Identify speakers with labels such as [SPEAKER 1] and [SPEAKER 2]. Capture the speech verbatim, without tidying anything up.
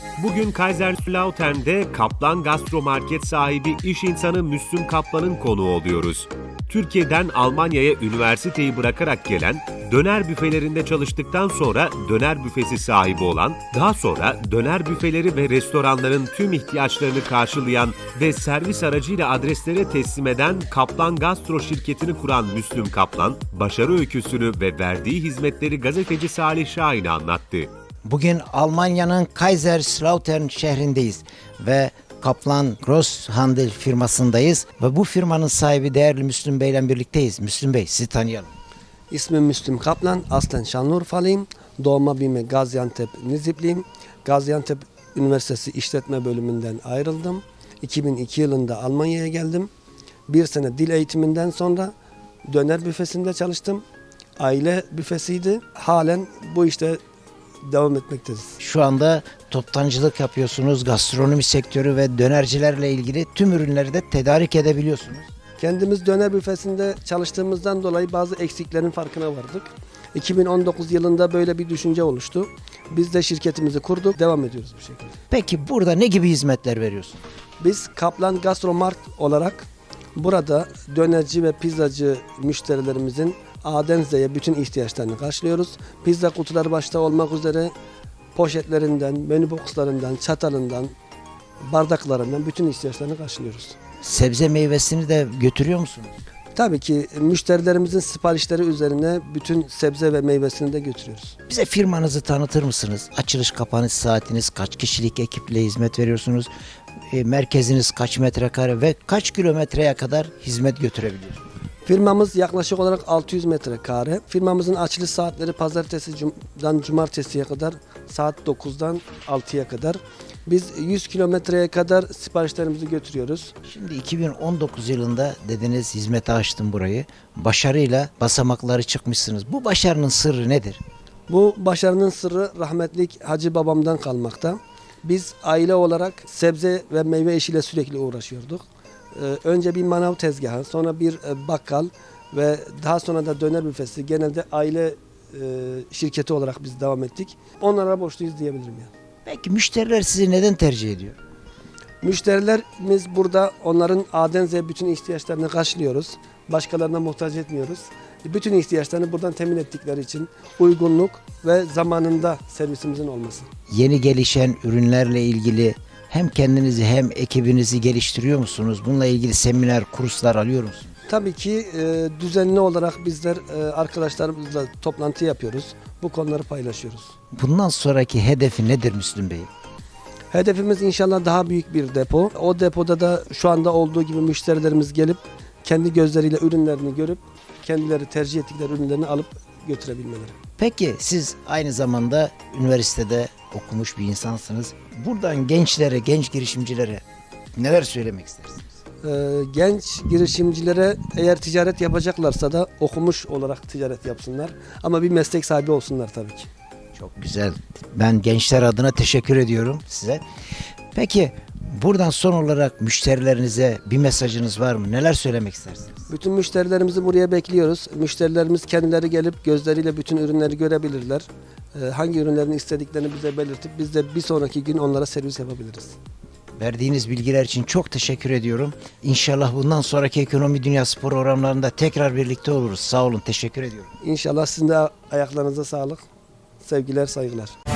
[SPEAKER 1] Bugün Kaiserslautern'de Kaplan Gastromarket sahibi iş insanı Müslüm Kaplan'ın konuğu oluyoruz. Türkiye'den Almanya'ya üniversiteyi bırakarak gelen, döner büfelerinde çalıştıktan sonra döner büfesi sahibi olan, daha sonra döner büfeleri ve restoranların tüm ihtiyaçlarını karşılayan ve servis aracıyla adreslere teslim eden Kaplan Gastro şirketini kuran Müslüm Kaplan, başarı öyküsünü ve verdiği hizmetleri gazeteci Salih Şahin'e anlattı.
[SPEAKER 2] Bugün Almanya'nın Kaiserslautern şehrindeyiz ve Kaplan Grosshandel firmasındayız ve bu firmanın sahibi değerli Müslüm Bey ile birlikteyiz. Müslüm Bey, sizi tanıyalım.
[SPEAKER 3] İsmim Müslüm Kaplan, aslen Şanlıurfalıyım. Doğma büyüme Gaziantep Nizipliyim. Gaziantep Üniversitesi İşletme Bölümünden ayrıldım. iki bin iki yılında Almanya'ya geldim. Bir sene dil eğitiminden sonra döner büfesinde çalıştım. Aile büfesiydi. Halen bu işte devam etmekteyiz.
[SPEAKER 2] Şu anda toptancılık yapıyorsunuz, gastronomi sektörü ve dönercilerle ilgili tüm ürünleri de tedarik edebiliyorsunuz.
[SPEAKER 3] Kendimiz döner büfesinde çalıştığımızdan dolayı bazı eksiklerin farkına vardık. iki bin on dokuz yılında böyle bir düşünce oluştu. Biz de şirketimizi kurduk, devam ediyoruz bu şekilde.
[SPEAKER 2] Peki burada ne gibi hizmetler veriyorsunuz?
[SPEAKER 3] Biz Kaplan Gastromart olarak burada dönerci ve pizzacı müşterilerimizin A'den Z'ye bütün ihtiyaçlarını karşılıyoruz. Pizza kutuları başta olmak üzere poşetlerinden, menü boxlarından, çatalından, bardaklarından bütün ihtiyaçlarını karşılıyoruz.
[SPEAKER 2] Sebze meyvesini de götürüyor musunuz?
[SPEAKER 3] Tabii ki müşterilerimizin siparişleri üzerine bütün sebze ve meyvesini de götürüyoruz.
[SPEAKER 2] Bize firmanızı tanıtır mısınız? Açılış kapanış saatiniz, kaç kişilik ekiple hizmet veriyorsunuz? E, merkeziniz kaç metrekare ve kaç kilometreye kadar hizmet götürebiliyorsunuz?
[SPEAKER 3] Firmamız yaklaşık olarak altı yüz metrekare. Firmamızın açılış saatleri pazartesiden cumartesiye kadar saat dokuzdan altıya kadar. Biz yüz kilometreye kadar siparişlerimizi götürüyoruz.
[SPEAKER 2] Şimdi iki bin on dokuz yılında dediniz hizmete açtım burayı. Başarıyla basamakları çıkmışsınız. Bu başarının sırrı nedir?
[SPEAKER 3] Bu başarının sırrı rahmetlik Hacı babamdan kalmakta. Biz aile olarak sebze ve meyve işiyle sürekli uğraşıyorduk. Ee, önce bir manav tezgahı, sonra bir e, bakkal ve daha sonra da döner büfesi. Genelde aile e, şirketi olarak biz devam ettik. Onlara borçluyuz diyebilirim yani.
[SPEAKER 2] Peki müşteriler sizi neden tercih ediyor?
[SPEAKER 3] Müşterilerimiz burada, onların A'den Z'ye bütün ihtiyaçlarını karşılıyoruz. Başkalarına muhtaç etmiyoruz. Bütün ihtiyaçlarını buradan temin ettikleri için uygunluk ve zamanında servisimizin olması.
[SPEAKER 2] Yeni gelişen ürünlerle ilgili hem kendinizi hem ekibinizi geliştiriyor musunuz? Bununla ilgili seminer, kurslar alıyor musunuz?
[SPEAKER 3] Tabii ki e, düzenli olarak bizler e, arkadaşlarımızla toplantı yapıyoruz. Bu konuları paylaşıyoruz.
[SPEAKER 2] Bundan sonraki hedefi nedir Müslüm Bey?
[SPEAKER 3] Hedefimiz inşallah daha büyük bir depo. O depoda da şu anda olduğu gibi müşterilerimiz gelip kendi gözleriyle ürünlerini görüp kendileri tercih ettikleri ürünlerini alıp götürebilmeleri. Peki
[SPEAKER 2] Siz aynı zamanda üniversitede okumuş bir insansınız. Buradan gençlere, genç girişimcilere neler söylemek istersiniz?
[SPEAKER 3] Ee, genç girişimcilere eğer ticaret yapacaklarsa da okumuş olarak ticaret yapsınlar. Ama bir meslek sahibi olsunlar tabii ki.
[SPEAKER 2] Çok güzel. Ben gençler adına teşekkür ediyorum size. Peki buradan son olarak müşterilerinize bir mesajınız var mı? Neler söylemek istersiniz?
[SPEAKER 3] Bütün müşterilerimizi buraya bekliyoruz. Müşterilerimiz kendileri gelip gözleriyle bütün ürünleri görebilirler. Ee, hangi ürünlerini istediklerini bize belirtip biz de bir sonraki gün onlara servis yapabiliriz.
[SPEAKER 2] Verdiğiniz bilgiler için çok teşekkür ediyorum. İnşallah bundan sonraki Ekonomi Dünyası programlarında tekrar birlikte oluruz. Sağ olun, teşekkür ediyorum.
[SPEAKER 3] İnşallah sizin de ayaklarınıza sağlık. Sevgiler, saygılar.